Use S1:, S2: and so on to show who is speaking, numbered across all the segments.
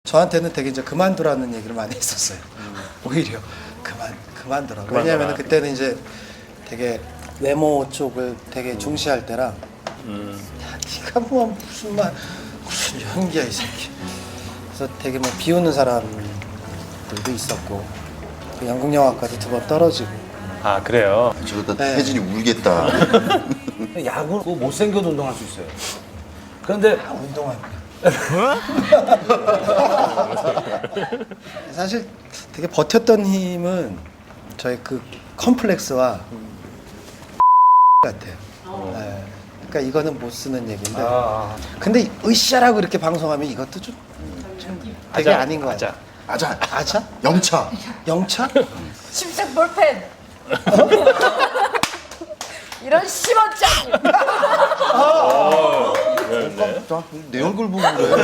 S1: 저한테는 되게 이제 그만두라는 얘기를 많이 했었어요. 오히려 그만두라고. 왜냐하면 그때는 이제 되게 외모 쪽을 되게 중시할 때라. 야, 네가 뭐 무슨 연기야 이 새끼. 그래서 되게 뭐 비웃는 사람들도 있었고, 그 연극영화과도 2번 떨어지고.
S2: 아 그래요?
S3: 저러다
S1: 네.
S3: 혜진이 울겠다.
S4: 야구 못생겨도 운동할 수 있어요. 그런데
S1: 운동하고. 사실 되게 버텼던 힘은 저희 그 컴플렉스와 같아요. 네. 그러니까 이거는 못 쓰는 얘기인데. 근데 으쌰라고 이렇게 방송하면 이것도 좀 되게 아닌 것 같아요.
S3: 아자,
S1: 아자?
S3: 영차.
S1: 영차?
S5: 심색 볼펜. 이런 10원짜리.
S3: 내 얼굴 보고 그래.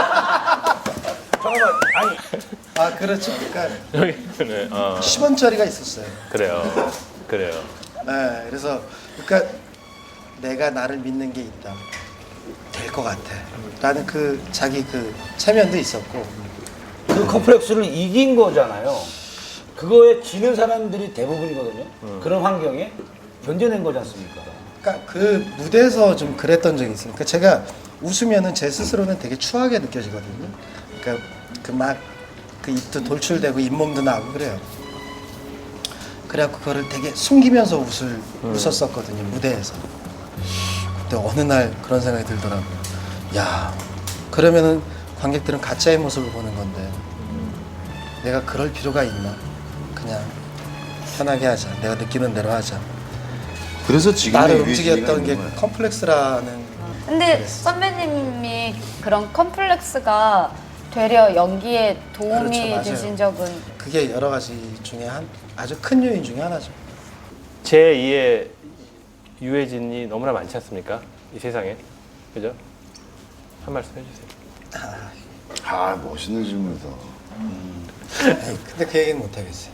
S4: 잠깐만 아니
S1: 아 그렇죠. 그러니까
S2: 네,
S1: 10원짜리가 있었어요.
S2: 그래요.
S1: 네, 그래서 그러니까 내가 나를 믿는 게 있다. 될 것 같아. 라는 그 자기 그 체면도 있었고.
S4: 그 컴플렉스를 이긴 거잖아요. 그거에 지는 사람들이 대부분이거든요. 그런 환경에 견뎌낸 거지 않습니까?
S1: 그러니까 그 무대에서 좀 그랬던 적이 있어요. 그러니까 제가 웃으면은 제 스스로는 되게 추하게 느껴지거든요. 그러니까 그 막 그 입도 돌출되고 잇몸도 나고 그래요. 그래갖고 그거를 되게 숨기면서 웃었었거든요, 무대에서. 그때 어느 날 그런 생각이 들더라고요. 야, 그러면은 관객들은 가짜의 모습을 보는 건데 내가 그럴 필요가 있나? 그냥 편하게 하자. 내가 느끼는 대로 하자.
S3: 그래서 지금
S1: 나를 움직였던 게 컴플렉스라는.
S5: 근데 선배님이 그런 컴플렉스가 되려 연기에 도움이
S1: 그렇죠, 맞아요.
S5: 되신 적은
S1: 그게 여러 가지 중에 아주 큰 요인 중에 하나죠.
S2: 제 2의 유해진이 너무나 많지 않습니까? 이 세상에. 그죠? 한 말씀 해주세요.
S3: 아, 멋있는 질문이다.
S1: 에이, 근데 그 얘기는 못 하겠어요.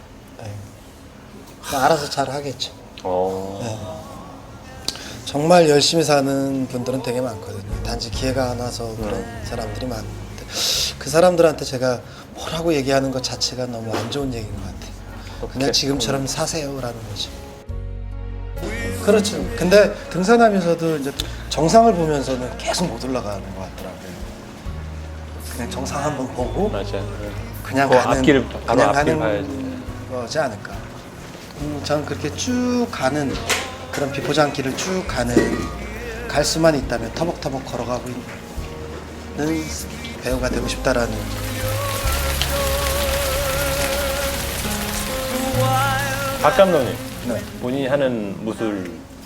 S1: 알아서 잘 하겠죠. 정말 열심히 사는 분들은 되게 많거든요. 단지 기회가 안 와서 그런 사람들이 많은데 그 사람들한테 제가 뭐라고 얘기하는 것 자체가 너무 안 좋은 얘기인 것 같아요. 그냥 지금처럼 사세요라는 거죠. 그렇죠. 근데 등산하면서도 이제 정상을 보면서는 계속 못 올라가는 것 같더라고요. 그냥 정상 한번 보고
S2: 맞아요.
S1: 그냥
S2: 그
S1: 가는
S2: 앞길을 바로
S1: 그냥
S2: 앞길
S1: 가는
S2: 봐야지.
S1: 거지 않을까. 저는 그렇게 쭉 가는 그런 비포장길을 쭉 가는 갈 수만 있다면 터벅터벅 걸어가고 있는 배우가 되고 싶다라는.
S2: 박 감독님,
S1: 네.
S2: 본인이 하는 무술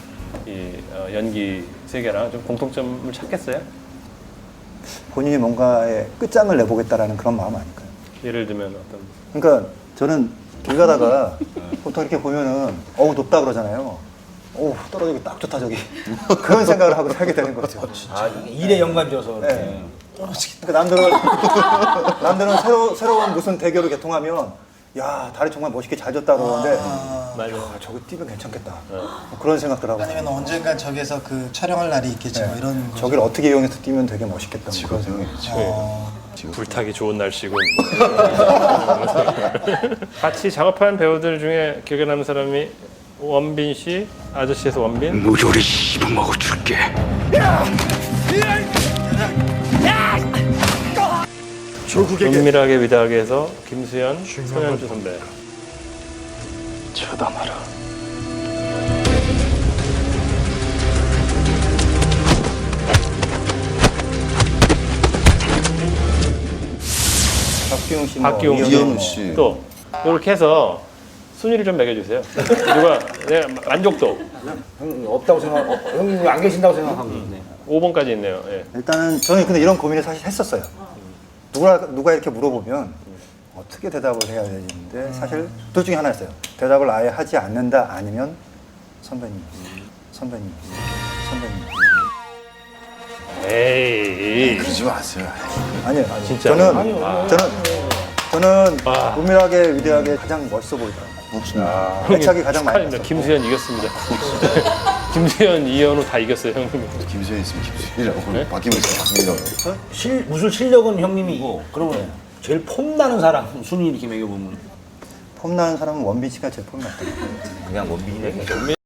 S2: 연기 세계랑 좀 공통점을 찾겠어요?
S6: 본인이 뭔가의 끝장을 내보겠다라는 그런 마음 아닐까요?
S2: 예를 들면 어떤?
S6: 그러니까 저는 길 가다가 보통 이렇게 보면은 어우 높다 그러잖아요. 어우 떨어지기 딱 좋다 저기. 그런 생각을 하고 살게 되는 거죠.
S4: 아, 일에 연관져서 이렇게.
S6: 네. 그러니까 남들은 새로운 무슨 대결을 개통하면 야 다리 정말 멋있게 잘 졌다 그러는데
S2: 맞아요.
S6: 아, 저거 뛰면 괜찮겠다. 뭐 그런 생각들 하고
S1: 아니면 언젠간 저기서 그 촬영할 날이 있겠지 뭐 이런 거.
S6: 저기를 어떻게 이용해서 뛰면 되게 멋있겠다. 뭐 그런 생각.
S2: 불타기 좋은 날씨군. 같이 작업한 배우들 중에 기억에 남는 사람이 원빈 씨, 아저씨에서 원빈.
S7: 무조리 씹어먹어 줄게.
S2: 은밀하게 위대하게 해서 김수현, 손현주 선배.
S7: 쳐다마라.
S6: 박기용 씨,
S2: 박기용 씨.
S3: 이현우 씨.
S2: 또 이렇게 해서 순위를 좀 매겨주세요. 누가 내가 만족도
S4: 형 없다고 형님 안 계신다고 생각하고 있네.
S2: 5번까지 있네요. 예.
S6: 일단은 저는 근데 이런 고민을 사실 했었어요. 누가 이렇게 물어보면 어떻게 대답을 해야 되는데 사실 둘 중에 하나였어요. 대답을 아예 하지 않는다 아니면 선배님.
S2: 에이.
S3: 그러지 마세요.
S6: 아니요.
S2: 진짜?
S6: 저는
S2: 와.
S6: 은밀하게 위대하게 가장 멋있어 보이더라고요. 애착이 가장 많이
S2: 축하드립니다.
S6: 갔어요.
S2: 김수현 이겼습니다. 김수현, 이현우 다 이겼어요, 형님.
S3: 김수현 있으면 김수현이라고.
S2: 네?
S3: 박기문 있으면 박기문이라고.
S4: 무술 실력은 형님이고 그러면 제일 폼 나는 사람 순위 이렇게 매겨보면
S6: 폼 나는 사람은 원빈 씨가 제일 폼 났던 것 같아요.
S4: 그냥 원빈이네.